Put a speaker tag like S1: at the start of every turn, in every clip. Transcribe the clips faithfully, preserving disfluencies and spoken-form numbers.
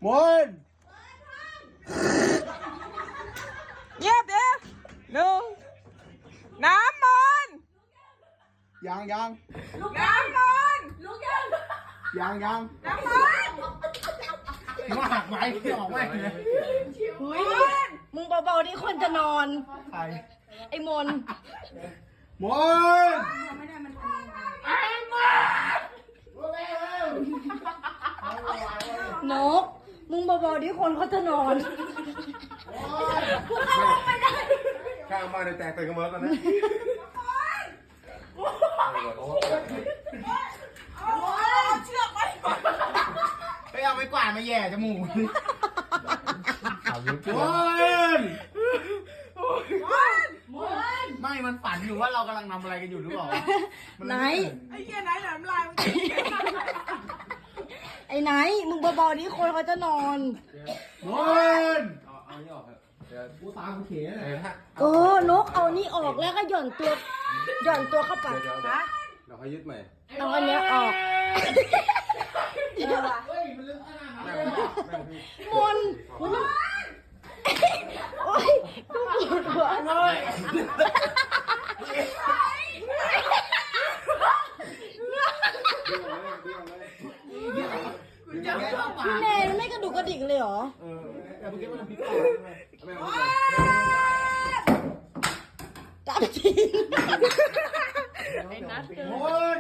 S1: มน
S2: เงียบเด้อหนึ่งน้ำมนต์
S1: ยังยัง
S2: น้ำมนต์
S1: ยังยัง
S2: น้ำมนต์
S1: มาหักไหมที่ออกไหม
S3: เฮ้ยมึงเบาๆนี่คนจะนอน
S1: ใคร
S3: ไอ้มน
S1: มน
S3: นกมึงเบาๆนี่คนเขาจะนอนกูเข้าห้องไม่ได้
S4: ข้างบ้านในแตกตื่นกันหมดแล้วตอนนี้
S2: เชือกไป
S1: ไปเอาไม้กวาดมาแย่จมูกมนไม่มันฝันอยู่ว่าเรากำลังทำอะไรกันอยู่หรือเปล่า
S3: ไหน
S2: ไอ้เหี้ยไหนหนามลายมัน
S3: ไอ้ไหนมึงเบาๆนี่คนเขาจะนอน
S1: มน
S4: เอาเอานี่ออกเถอะเดี๋ยว
S1: กูตามกูเขียน
S4: เดี๋ยวถ้า
S3: เออนกเอานี่ออกแล้วก็หย่อนตัวหย่อนตัวเข้าไป
S4: เดี๋ยวเดี๋ยวเดี๋ยวเขายึดใหม่
S3: เอาอันเนี้ยออก
S1: เฮ้ยมันลึกขนาดนั้น
S4: แม่
S1: เลย
S4: งแม่งพี่
S3: มนโอ๊ยกูปวดหัวเลยพี่เนยไม่กระดูกกระดิกเลยเหรอ
S1: เออแต่เมื่อกี้มันพิษ
S4: แม่ง
S3: จับจริง
S2: ไอ้นัทเกิน
S1: มน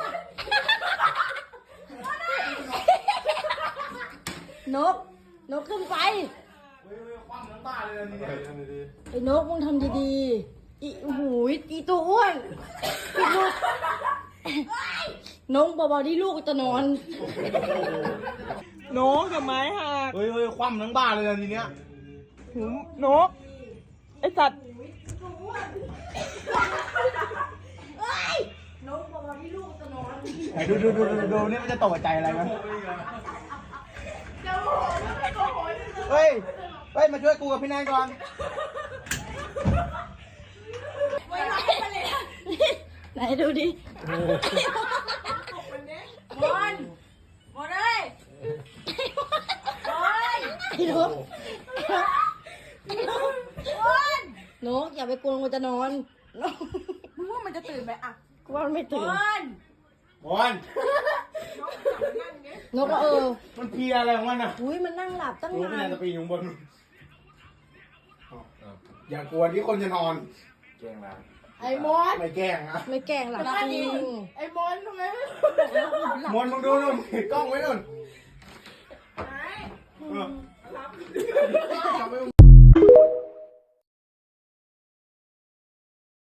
S3: นก นกขึ้นไป
S1: เฮ้ยคว่ำทั้งบ้านเลยนี่
S4: เดี๋ยวเดี๋ยวดี
S3: ไอ้นกมึงทำดีๆ อีหูยอีตัวอ้วนอีลูกน้องเบาๆที่ลูกจะนอน
S2: นกกับไม้หัก
S1: เฮ้ยเฮ้ยคว่ำทั้งบ้านเลยทีเนี้ย
S2: หูนกไอสัตว์
S3: น้องเบาๆที่ลูกจะนอน
S1: ไหนดูดูดูดูดูนี่มันจะตกใจอะไรมั้ยเฮ้ยเฮ้ยมาช่วยกูกับพี่นายก่อน
S3: ไหนดูดิ
S2: มนมนเลยโอ้ย
S3: ไอ้นกนกอย่าไปกวนกูจะนอนนก
S2: มึงว่ามันจะตื่นไหมอ่ะ
S3: กูว่ามันไม่ตื่น
S2: มน
S1: มน
S3: นกก็เออ
S1: มันเพลียอะไรของมันอ่ะ
S3: อุ้ยมันนั่งหลับตั้ง
S1: รู้พี่าย
S3: นานน
S1: จะปีนอยู่บนอย่ากลัวที่คนจะนอน
S4: เก่งแล้ว
S2: ไอ้มน
S1: ไม่แกล้งนะ
S3: ไม่แกล้งหลับจริง
S2: ไอ้มนทำไมไม่
S1: มนมึงดูนู่นกล้องไว้นู่น